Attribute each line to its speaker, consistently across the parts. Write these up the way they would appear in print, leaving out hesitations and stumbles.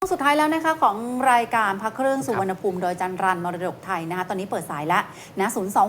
Speaker 1: สุดท้ายแล้วนะคะของรายการพระเครื่องสุวรรณภูมิโดยจันรันมรดกไทยนะคะตอนนี้เปิดสายแล้วนะ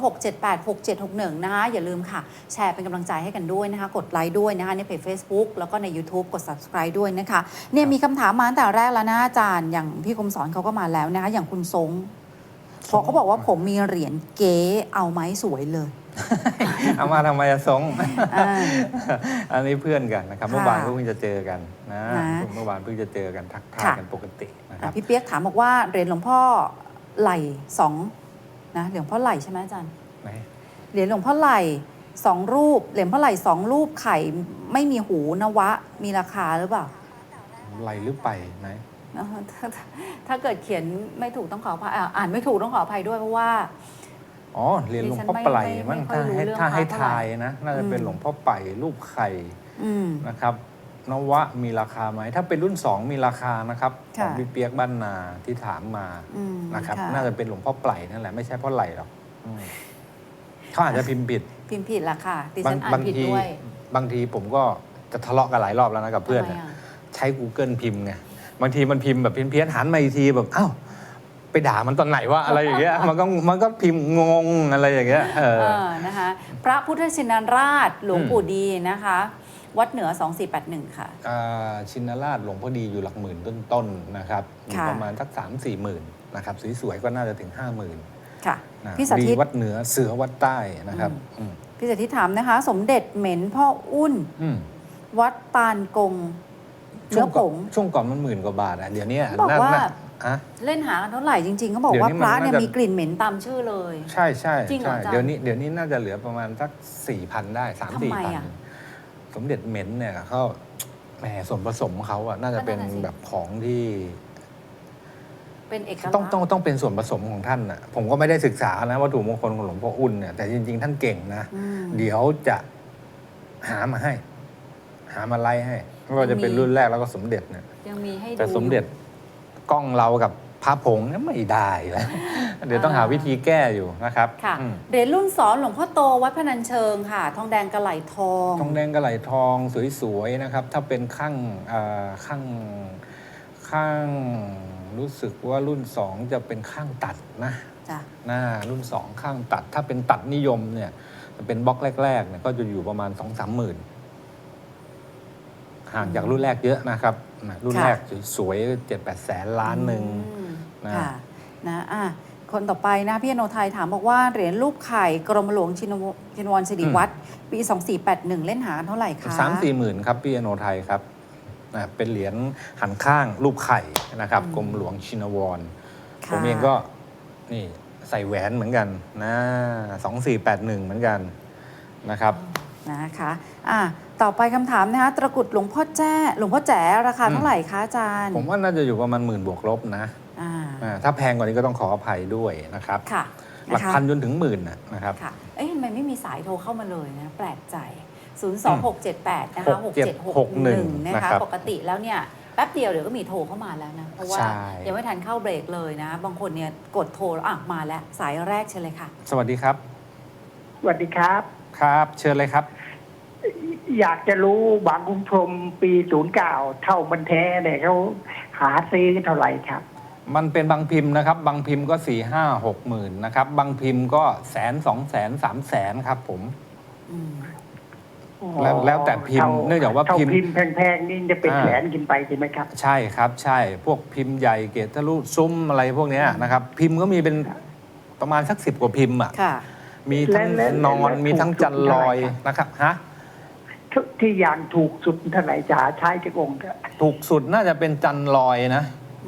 Speaker 1: 026786761นะคะอย่าลืมค่ะแชร์เป็นกำลังใจให้กันด้วยนะคะกดไลค์ด้วยนะคะในเพจ Facebook แล้วก็ใน YouTube กด Subscribe ด้วยนะคะเนี่ยมีคำถามมาตั้งแต่แรกแล้วนะอาจารย์อย่างพี่คมสอนเขาก็มาแล้วนะคะอย่างคุณทรงพอเขาบอกว่าผมมีเหรียญเก๊เอาไหมสวยเลย
Speaker 2: เอามาทำไมอะสงอันนี้เพื่อนกันนะครับเมื่อวานเพิ่งจะเจอกันนะเมื่อวานเพิ่งจะเจอกันทักทายกันปกตินะครับ
Speaker 1: พี่เปียกถามบอกว่าเหรียญหลวงพ่อไหล่สองนะเหรียญพ่อไหล่ใช่ไหมอาจารย์เหรียญหลวงพ่อไหล่สองรูปเหรียญพ่อไหล่สองรูปไข่ไม่มีหูนวะมีราคาหรือเปล่า
Speaker 2: ไหล่หรือไปไหน
Speaker 1: ถ้าเกิดเขียนไม่ถูกต้องขออภัยอ่านไม่ถูกต้องขออภัยด้วยเพราะว่า
Speaker 2: อ๋อเหรียญหลวงพ่อไผ่มั้งถ้าให้ทายนะน่าจะเป็นหลวงพ่อไผ่รูปไข่นะครับนวะมีราคาไหมถ้าเป็นรุ่น2มีราคานะครับของพี่เปียกบ้านนาที่ถามมานะครับน่าจะเป็นหลวงพ่อไผ่นั่นแหละไม่ใช่พ่อไหล่หรอกเขาอาจจะพิมพ์ผิด
Speaker 1: ราคาดิฉันอ่านผิดด้วย
Speaker 2: บางทีผมก็จะทะเลาะกันหลายรอบแล้วนะกับเพื่อนใช้ Google พิมพ์ไงบางทีมันพิมพ์แบบเพี้ยนหันมาอีกทีแบบอ้าวไปด่ามันตอนไหนวะอะไรอย่างเงี้ยมันก็พิมพ์งงอะไรอย่างเงี้ย
Speaker 1: นะคะพระพุทธชินราชหลวงปู่ดีนะคะวัดเหนือ2481ค่ะ
Speaker 2: ชินราชหลวงพ่อดีอยู่หลักหมื่นต้นๆนะครับอยู่ประมาณสัก3-4 หมื่นนะครับสวยๆก็น่าจะถึง50,000
Speaker 1: ค่ะพี่สาธิต
Speaker 2: วัดเหนือเสือวัดใต้นะครับ
Speaker 1: พี่สาธิตถามนะคะสมเด็จเหม็นพ่ออุ้นวัดตาลกงเนื้อผง
Speaker 2: ช่วงก่อนมัน10,000 กว่าบาทเดี๋ยวนี้
Speaker 1: บอกว่าเล่นหากันเท่าไหร่จริงๆเขาบอกว่าพระเนี่ยมีกลิ่นเหม็นตามชื่อเลย
Speaker 2: ใช่ใช่เดี๋ยวนี้น่าจะเหลือประมาณสัก 4,000 ได้ 3-4,000สมเด็จเหม็นเนี่ยเขาแหมส่วนผสมเขาอะน่าจะเป็นแบบของที่
Speaker 1: เป็นเอกลักษณ์
Speaker 2: ต้องเป็นส่วนผสมของท่านน่ะผมก็ไม่ได้ศึกษานะวัตถุมงคลของหลวงพ่ออุ่นเนี่ยแต่จริงๆท่านเก่งนะเดี๋ยวจะหามาให้หามาไล่ให้ไม่ว่าจะเป็นรุ่นแรกแล้วก็สมเด็จเนี่ย
Speaker 1: ยังมีให้ดู
Speaker 2: แต่สมเด็จกล้องเรากับพระผงเนี่ยไม่ได้แล้วเดี๋ยวต้องหาวิธีแก้อยู่นะครับ
Speaker 1: ค่ะเหรียญรุ่น2หลวงพ่อโตวัดพนัญเชิงค่ะทองแดงกระไหลทอง
Speaker 2: ทองแดงกระไหลทองสวยๆนะครับถ้าเป็นข้างรู้สึกว่ารุ่น2จะเป็นข้างตัดนะหน้ารุ่น2ข้างตัดถ้าเป็นตัดนิยมเนี่ยจะเป็นบล็อกแรกๆเนี่ยก็จะอยู่ประมาณ 2-3 หมื่นห่างจากรุ่นแรกเยอะนะครับรุ่นแรกสวยๆ 7-8 แสนล้านหนึ่ง
Speaker 1: นะคนต่อไปนะพี่อโนไทยถามบอกว่าเหรียญรูปไข่กรมหลวงชินวรสิริวัฒน์ปี2481เล่นหากันเท่าไหร่คะ
Speaker 2: 3-4 หมื่นครับพี่อโนไทยครับเป็นเหรียญหันข้างรูปไข่นะครับกรมหลวงชินวรผมเองก็นี่ใส่แหวนเหมือนกันนะ2481เหมือนกันนะครับ
Speaker 1: นะคะต่อไปคำถามนะคะตะกุดหลวงพ่อแจ๋ราคาเท่าไหร่คะอาจารย์
Speaker 2: ผมว่าน่าจะอยู่ประมาณ10,000 บวกลบนะถ้าแพงกว่านี้ก็ต้องขออภัยด้วยนะครับหลักพันจนถึง10,000นะครับ
Speaker 1: ทำไมไม่มีสายโทรเข้ามาเลยนะแปลกใจ02678นะคะ6761นะคะปกติแล้วเนี่ยแป๊บเดียวเดี๋ยวก็มีโทรเข้ามาแล้วนะเพราะว่ายังไม่ทันเข้าเบรกเลยนะบางคนเนี่ยกดโทรมาแล้วสายแรกเชิญเลยค่ะ
Speaker 2: สวัสดีครับ
Speaker 3: สวัสดีครับ
Speaker 2: ครับเชิญเลยครับ
Speaker 3: อยากจะรู้บางคุณพรมปี09เท่ามันแท้เนี่ยเขาหาซื้อเท่าไหร่ครับ
Speaker 2: มันเป็นบางพิมพ์นะครับบางพิมพ์ก็4-5-6 หมื่นนะครับบางพิมพ์ก็100,000-200,000-300,000ครับผมแล้วแต่พิมพ์เนื่องจากว่า
Speaker 3: พิมพ์แพงๆนี่จะเป็นแสนขึ้นไปใช่ไหมครับ
Speaker 2: ใช่ครับใช่พวกพิมพ์ใหญ่เกศทะลุซุ้มอะไรพวกนี้นะครับพิมพ์ก็มีเป็นประมาณสัก10 กว่าพิมพ์มีทั้งนอนมีทั้งจันลอยนะครับ
Speaker 3: ที่อย่างถูกสุดเท่าไหร่จะใช้กี่องค์
Speaker 2: ถูกสุดน่าจะเป็นจันลอยนะ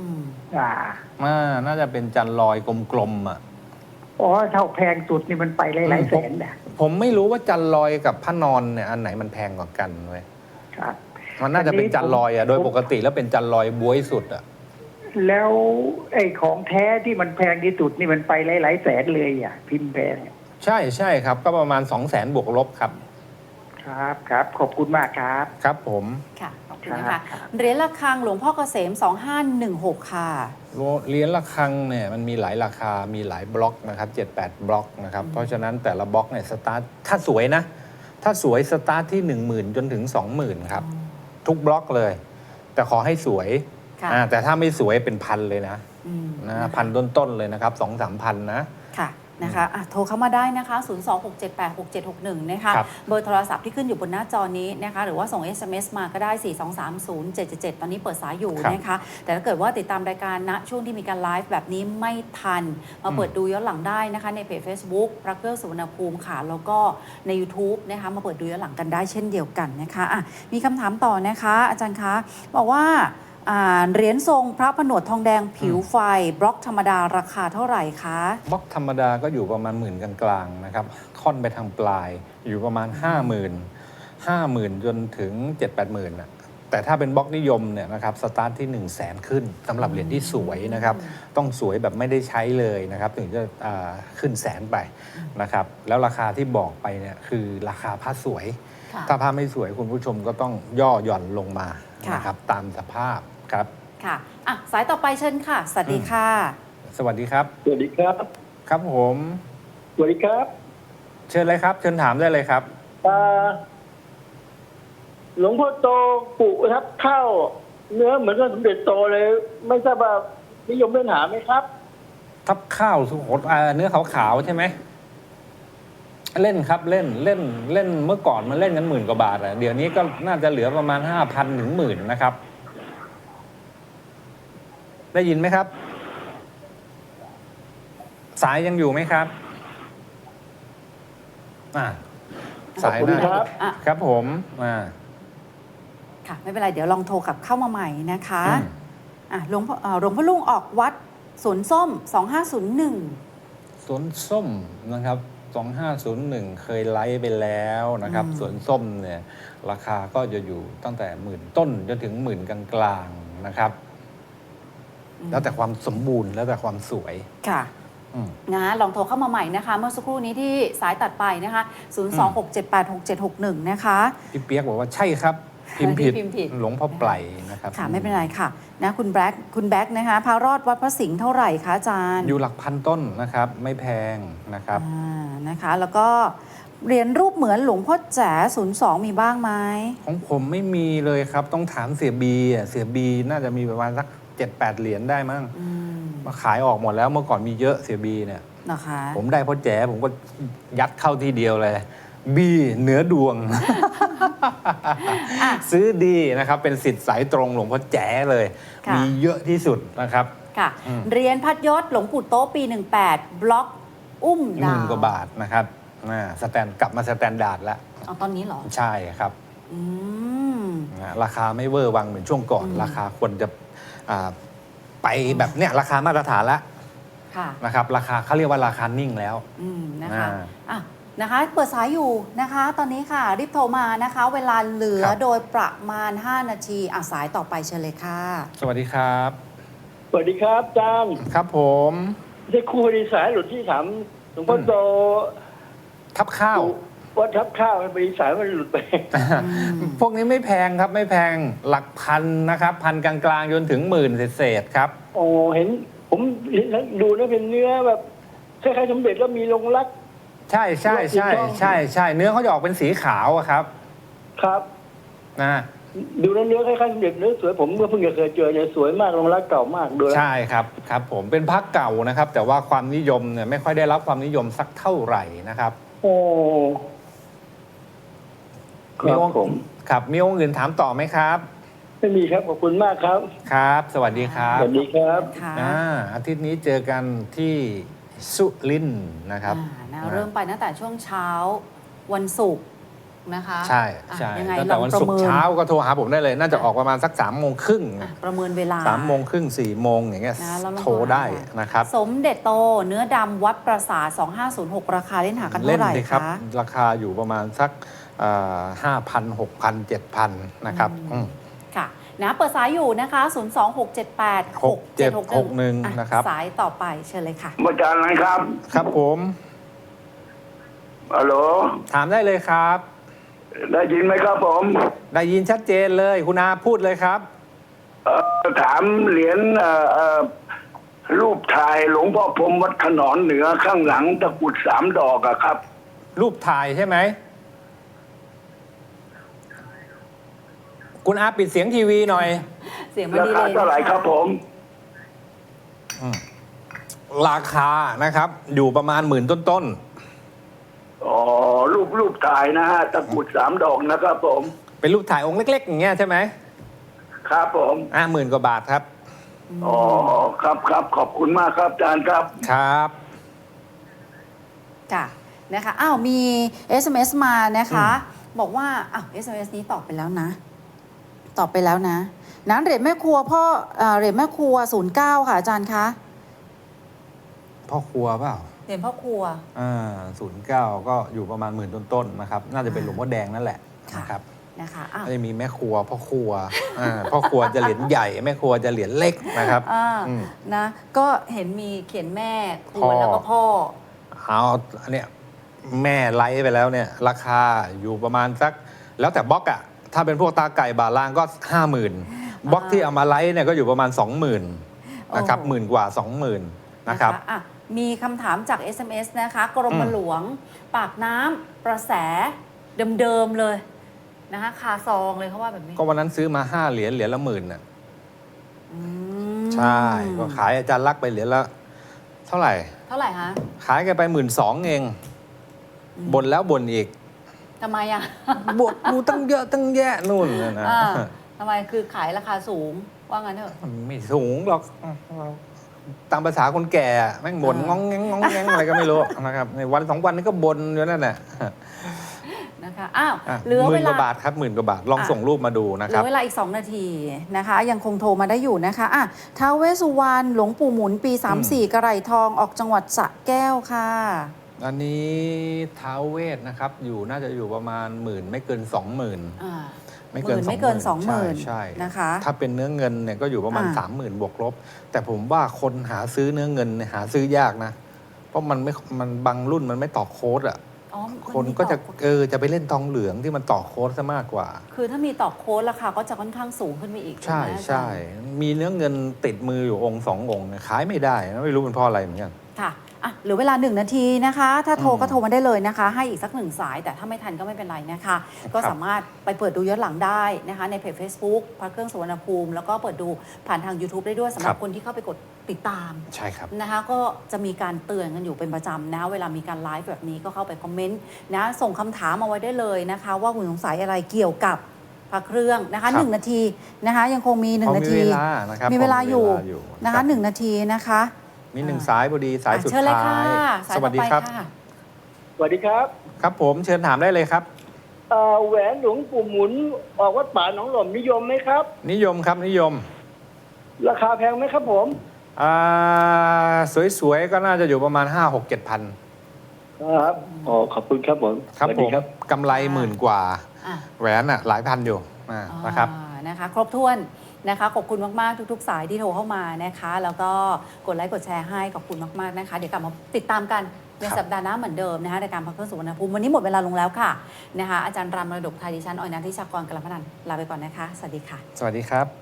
Speaker 2: น่าจะเป็นจันลอยกลมๆ
Speaker 3: อ๋อเท่าแพงสุดนี่มันไปหลายแสนนะ
Speaker 2: ผมไม่รู้ว่าจันลอยกับพระนอนเนี่ยอันไหนมันแพงกว่ากันเว้ย
Speaker 3: ครับ
Speaker 2: มันน่าจะเป็นจันลอยโดยปกติแล้วเป็นจันลอยบ๊วยสุด
Speaker 3: แล้วไอ้ของแท้ที่มันแพงที่สุดนี่มันไปหลายแสนเลยพิมพ์แพง
Speaker 2: ใช่ครับก็ประมาณ200,000 บวกลบครับ
Speaker 3: ครับขอบคุณมากครับ
Speaker 2: ครับผม
Speaker 1: ค่ะขอบคุณนะคะเหรียญระฆังหลวงพ่อเกษม2516ค่ะ
Speaker 2: เหรียญระฆังเนี่ยมันมีหลายราคามีหลายบล็อกนะครับ7-8 บล็อกนะครับเพราะฉะนั้นแต่ละบล็อกเนี่ยสตาร์ทถ้าสวยนะถ้าสวยสตาร์ทที่ 10,000 จนถึง 20,000ครับทุกบล็อกเลยแต่ขอให้สวย
Speaker 1: ค่ะ
Speaker 2: แต่ถ้าไม่สวยเป็นพันเลยนะ
Speaker 1: นะ
Speaker 2: พันต้นๆเลยนะครับ2-3 พันนะ
Speaker 1: ค่ะนะคะโทรเข้ามาได้นะคะ 026786761 นะคะ
Speaker 2: ครับ
Speaker 1: เบอร์โทรศัพท์ที่ขึ้นอยู่บนหน้าจอนี้นะคะ หรือว่าส่ง SMS มาก็ได้ 4230777 ตอนนี้เปิดสายอยู่นะคะ แต่ถ้าเกิดว่าติดตามรายการณช่วงที่มีการไลฟ์แบบนี้ไม่ทัน มาเปิดดูย้อนหลังได้นะคะ ในเพจ Facebook พระเครื่องสุวรรณภูมิค่ะ แล้วก็ใน YouTube นะคะ มาเปิดดูย้อนหลังกันได้เช่นเดียวกันนะคะมีคำถามต่อนะคะ อาจารย์คะบอกว่าเหรียญทรงพระผนวดทองแดงผิวไฟบล็อกธรรมดาราคาเท่าไหร่คะ
Speaker 2: บล็อกธรรมดาก็อยู่ประมาณหมื่นกลางๆนะครับค่อนไปทางปลายอยู่ประมาณ 50,000 จนถึง 7-8 หมื่นนะแต่ถ้าเป็นบล็อกนิยมเนี่ยนะครับสตาร์ทที่ 100,000 ขึ้นสำหรับเหรียญที่สวยนะครับต้องสวยแบบไม่ได้ใช้เลยนะครับถึงจะขึ้นแสนไปนะครับแล้วราคาที่บอกไปเนี่ยคือราคาผ้าสวย ถ้าผ้าไม่สวยคุณผู้ชมก็ต้องย่อหย่อนลงมานะครับตามสภาพครับ
Speaker 1: ค่ะสายต่อไปเชิญค่ะสวัสดีค่ะ
Speaker 2: สวัสดีครับ
Speaker 3: สวัสดีครับ
Speaker 2: ครับผม
Speaker 3: สวัสดีครับ
Speaker 2: เชิญเลยครับเชิญถามได้เลยครับ
Speaker 3: หลวงพ่อโตปุทับเข้าเนื้อเหมือนกับสมเด็จโตเลย ไม่ทราบว่านิยมเล่นหาไหมครับ
Speaker 2: ทับข้าวสุโขทัยเนื้อขาวๆใช่ไหมเล่นครับเล่นเมื่อก่อนมันเล่นกัน10,000 กว่าบาทเดี๋ยวนี้ก็น่าจะเหลือประมาณ 5,000 ถึง 10,000 นะครับ ได้ยินไหมครับ สายยังอยู่ไหมครับสาย
Speaker 3: ขอบคุณครับ
Speaker 2: ครับผม
Speaker 1: ค่ะไม่เป็นไรเดี๋ยวลองโทรกลับเข้ามาใหม่นะคะหลวงพ่อลุงออกวัดสวนส้ม 2501
Speaker 2: สวนส้มนะครับ2501 เคยไลฟ์ไปแล้วนะครับสวนส้มเนี่ยราคาก็จะอยู่ตั้งแต่10,000 ต้นจนถึง10,000 กลางๆนะครับแล้วแต่ความสมบูรณ์แล้วแต่ความสวย
Speaker 1: ค่ะลองโทรเข้ามาใหม่นะคะเมื่อสักครู่นี้ที่สายตัดไปนะคะ 026786761 นะคะ
Speaker 2: พี่เปียกบอกว่าใช่ครับพิมพ์ผิดหลวงพ่อไพรนะครับ
Speaker 1: ค่ะไม่เป็นไรค่ะนะคุณแบ็คนะคะพระรอดวัดพระสิงห์เท่าไหร่คะอาจารย์
Speaker 2: อยู่หลักพันต้นนะครับไม่แพงนะครับ
Speaker 1: นะคะแล้วก็เหรียญรูปเหมือนหลวงพ่อแจ๋02มีบ้างไหม
Speaker 2: ของผมไม่มีเลยครับต้องถามเสียบีเสียบีน่าจะมีประมาณสัก 7-8 เหรียญได้มั้งมาขายออกหมดแล้วเมื่อก่อนมีเยอะเสียบีเนี่ย
Speaker 1: นะคะ
Speaker 2: ผมได้พ่อแจ๋ผมก็ยัดเข้าทีเดียวเลยบีเหนือดวง ซื้อดีนะครับเป็นสิทธิ์สายตรงหลวงพ่อแจ๋เลยมีเยอะที่สุดนะครับ
Speaker 1: ค่ะเหรียญพัดยศหลวงปู่โต๊ะปี 18 บล็อกอุ้มดาว
Speaker 2: 10,000 กว่าบาทนะครับกลับมาสแตนดาร์ดแล้ว
Speaker 1: ตอนนี้เหรอ
Speaker 2: ใช่ครับราคาไม่เวอร์วังเหมือนช่วงก่อนราคาควรจะไปแบบเนี้ยราคามาตรฐานแล้วนะครับราคาเขาเรียกว่าราคานิ่งแล้ว
Speaker 1: นะคะเปิดสายอยู่นะคะตอนนี้ค่ะรีบโทรมานะคะเวลาเหลือโดยประมาณ5 นาทีสายต่อไปเชิญเลยค่ะ
Speaker 2: สวัสดีครับ
Speaker 3: สวัสดีครับอาจารย์
Speaker 2: ครับผม
Speaker 3: ได้ครูดีสายหลุดที่ถามหลวงพ่อโต
Speaker 2: ทับข้าว
Speaker 3: ว่าทับข้าวบริสายมันหลุดไป
Speaker 2: พวกนี้ไม่แพงครับไม่แพงหลักพันนะครับพันกลางๆจนถึง10,000เศษครับ
Speaker 3: โอ้เห็นผมดูแล้วเป็นเนื้อแบบคล้ายๆสมเด็จแล้วมีลงรัก
Speaker 2: ใช่เนื้อเขาจะออกเป็นสีขาวครับ
Speaker 3: ครับดูแล้วเนื้อคล้ายๆสมเด็จเนื้อสวยผมเมื่อเพิ่งจะเคยเจอเนี่ยสวยมากลงรักเก่ามากด้วย
Speaker 2: ใช่ครับผมเป็นพระเก่านะครับแต่ว่าความนิยมเนี่ยไม่ค่อยได้รับความนิยมสักเท่าไหร่นะครับ
Speaker 3: โอ้
Speaker 2: มีองค์ครับมีองค์อื่นถามต่อไหมครับ
Speaker 3: ไม่มีครับขอบคุณมากครับ
Speaker 2: ครับสวัสดีครับ
Speaker 3: สวัสดีครับ
Speaker 2: อาทิตย์นี้เจอกันที่สุรินทร์นะครับ
Speaker 1: เริ่มไปตั้งแต่ช่วงเช้าวันศุกร์นะคะ
Speaker 2: ใช่ตั้งแต่วันศุกร์เช้าก็โทรหาผมได้เลยน่าจะออกประมาณสัก3:30
Speaker 1: ประเมินเวลา
Speaker 2: 3:30 4:00อย่างเงี้ยโทรได้นะครับ
Speaker 1: สมเด็จโตเนื้อดำวัดปราสาท2506ราคาเล่นหากันเท่าไหร่คะ
Speaker 2: ราคาอยู่ประมาณสัก5,000 6,000 7,000นะครับ
Speaker 1: ค่ะเปิดสายอยู่นะคะ
Speaker 2: 026786761นะครับ
Speaker 1: สายต่อไปเชิญเลยค่ะ
Speaker 3: อาจารย์นะครับ
Speaker 2: ครับผม
Speaker 3: ฮัลโหล
Speaker 2: ถามได้เลยครับ
Speaker 3: ได้ยินไหมครับผม
Speaker 2: ได้ยินชัดเจนเลยคุณอาพูดเลยครับ
Speaker 3: ถามเหรียญรูปถ่ายหลวงพ่อพรหมวัดขนอนเหนือข้างหลังตะกุด3 ดอกครับ
Speaker 2: รูปถ่ายใช่ไหมคุณอาปิดเสียงทีวีหน่อย
Speaker 1: เสียงมัน
Speaker 3: รา
Speaker 1: ดี
Speaker 3: คา
Speaker 1: เลย
Speaker 3: เท่าไหร่ครับผม
Speaker 2: ราคานะครับ อยู่ประมาณ10,000ต้น
Speaker 3: อ๋อรูปถ่ายนะฮะตะกรุด3 ดอกนะครับผม
Speaker 2: ๆเป็นรูปถ่ายองค์เล็กๆอย่างเงี้ยใช่ไหม
Speaker 3: ครับผม
Speaker 2: 10,000 กว่าบาทครับ
Speaker 3: อ๋อครับขอบคุณมากครับอาจารย์ครับ
Speaker 2: ครับ
Speaker 1: ค่ะนะคะอ้าวมี SMS มานะคะ บอกว่าอ้าว SMS นี้ตอบไปแล้วนะเหรียญแม่ครัวพ่อเหรียญแม่ครัว09ค่ะอาจารย์คะ
Speaker 2: พ่อครัวเปล่า
Speaker 1: เหรียญพ่อครัว
Speaker 2: 09ก็อยู่ประมาณ10,000ต้นๆนะครับ น่าจะเป็นหลวงพ่อแดงนั่นแหละ
Speaker 1: ค่ะ
Speaker 2: นะครับ
Speaker 1: นะคะอ้าว
Speaker 2: ก็จะมีแม่ครัวพ่อครัวพ่อครัวจะเหรียญใหญ่แม่ครัวจะเหรียญเล็กนะครับ
Speaker 1: นะก็เห็นมีเขียนแม่ครั
Speaker 2: พ่
Speaker 1: ว
Speaker 2: อ
Speaker 1: แล้วก็พ่อ
Speaker 2: เอาอันเนี้ยแม่ไลฟ์ไปแล้วเนี่ยราคาอยู่ประมาณสักแล้วแต่บล็อกอะถ้าเป็นพวกตาไก่บาล่างก็ 50,000บล็อกที่เอามาไลฟ์เนี่ยก็อยู่ประมาณ 20,000นะครับ
Speaker 1: โอ้
Speaker 2: หมื่นกว่า 20,000นะครับ
Speaker 1: อ่ะมีคำถามจาก SMS นะคะกรมหลวงปากน้ำประแสเดิมๆเลยนะคะคาซองเลยเขาว่าแบบนี้
Speaker 2: ก็วันนั้นซื้อมา5 เหรียญละ10,000น่ะ
Speaker 1: อืม
Speaker 2: ใช่ก็ขายอาจารย์ลักษณ์ไปเหรียญละเท่าไหร่
Speaker 1: เท่าไหร่คะ
Speaker 2: ขายกันไป12,000เองบ่นแล้วบ่นอีก
Speaker 1: ทำไมอ่ะ
Speaker 2: บวกดูตั้งเยอะตั้งแยะนู่นนะ
Speaker 1: อ่าทำไมคือขายราคาสูงว่างั้นเถอะ
Speaker 2: ไม่สูงหรอกตามภาษาคนแก่อะแม่งบ่นงองแงงงองแงงอะไรก็ไม่รู้นะครับในวัน2 วันนี้ก็บ่นอยู่นั่นแหละ
Speaker 1: นะคะอ้าว
Speaker 2: อ่ะ
Speaker 1: เหลือ
Speaker 2: ห
Speaker 1: เว
Speaker 2: มื่นก
Speaker 1: ลา
Speaker 2: ว่าบาทครับ10,000 กว่าบาทลองส่งรูปมาดูนะ
Speaker 1: เห
Speaker 2: ค
Speaker 1: ลื
Speaker 2: รับ
Speaker 1: อเวลาอีก 2 นาทีนะคะ ยังคงโทรมาได้อยู่นะคะอ่ะท้าวเวสสุวรรณหลวงปู่หมุนปี 34 กระไหร่ทองออกจังหวัดสระแก้วค่ะ
Speaker 2: อันนี้ท้าวเวทนะครับอยู่น่าจะอยู่ประมาณ10,000ไม่เกิน 20,000
Speaker 1: อ่า
Speaker 2: ไม่เกิน
Speaker 1: ไม่เกิน
Speaker 2: ใช่
Speaker 1: นะคะ
Speaker 2: ถ้าเป็นเนื้อเงินเนี่ยก็อยู่ประมาณ 30,000 บวกลบ แต่ผมว่าคนหาซื้อเนื้อเงินเนี่ยหาซื้อยากนะ เพราะมันบางรุ่นมันไม่ต่อโค้ดอ่ะ
Speaker 1: อ๋อ
Speaker 2: คนก็จะไปเล่นทองเหลืองที่มันต่อโค้ดซะมากกว่า
Speaker 1: คือถ้ามีต่อโค้ดราคาก็จะค่อนข้างสูงขึ้นไปอีก
Speaker 2: ใช่
Speaker 1: ไหมอาจารย์
Speaker 2: ใช่มีเนื้อเงินติดมืออยู่องค์2 องค์เนี่ยขายไม่ได้นะไม่รู้เป็นเพราะอะไรเหมือนกัน
Speaker 1: ค่ะอ่ะเหลือเวลา1 นาทีนะคะ ถ้าโทรก็โทรมาได้เลยนะคะ ให้อีกสัก1 สาย แต่ถ้าไม่ทันก็ไม่เป็นไรนะคะ ก็สามารถไปเปิดดูย้อนหลังได้นะคะในเพจ Facebook พระเครื่องสุวรรณภูมิแล้วก็เปิดดูผ่านทาง YouTube ได้ด้วยสำหรับคนที่เข้าไปกดติดตาม
Speaker 2: ใช่ครับ
Speaker 1: นะคะก็จะมีการเตือนกันอยู่เป็นประจำนะเวลามีการไลฟ์แบบนี้ก็เข้าไปคอมเมนต์นะส่งคำถามมาไว้ได้เลยนะคะ ว่าคุณสงสัยอะไรเกี่ยวกับพระเครื่องนะคะ
Speaker 2: ครับ
Speaker 1: 1 นาทีนะคะยังคงมี 1 นาที
Speaker 2: มีเวลานะครับ
Speaker 1: มีเวลาอยู่
Speaker 2: มีเวลาอยู่
Speaker 1: นะคะ
Speaker 2: ครับ
Speaker 1: 1 นาทีนะคะ
Speaker 2: มี1 สายพอดีสายสุด
Speaker 1: เชิญเลย
Speaker 2: ท้า
Speaker 1: ค่ะ
Speaker 2: ย
Speaker 1: สาย
Speaker 2: ส
Speaker 1: ต่
Speaker 2: วั
Speaker 1: อ
Speaker 2: สดี
Speaker 1: ไป
Speaker 2: ครับ
Speaker 1: ค่ะ
Speaker 4: สวัสดีครับ
Speaker 2: ครับผมเชิญถามได้เลยครับ
Speaker 4: แหวนหลวงปู่หมุนออกวัดป่าหนองหล่อมนิยมไหมครับ
Speaker 2: นิยมครับนิยม
Speaker 4: ราคาแพงไหมครับผม
Speaker 2: สวยๆ ก็น่าจะอยู่ประมาณ 5-6-7 พัน
Speaker 4: ครับอ๋อขอบคุณครับผม
Speaker 2: ครับ
Speaker 4: สวัส
Speaker 2: ผ
Speaker 4: ดี
Speaker 2: ม
Speaker 4: ครับ
Speaker 2: กำไร10,000 กว่า
Speaker 1: อ่ะ
Speaker 2: แหวนหลายพันอยู่นะครับ
Speaker 1: นะคะครบถ้วนนะคะขอบคุณมากๆทุกๆ สายที่โทรเข้ามานะคะ แล้วก็กดไลค์กดแชร์ให้ขอบคุณมากๆนะคะเดี๋ยวกลับมาติดตามกันในสัปดาห์หน้าเหมือนเดิมนะคะในการพักเครื่องสุวรรณภูมิวันนี้หมดเวลาลงแล้วค่ะนะคะอาจารย์รามมรดกไทยดิฉันออยนันทิชากรกลพนันท์ลาไปก่อนนะคะสวัสดีค่ะ
Speaker 2: สวัสดีครับ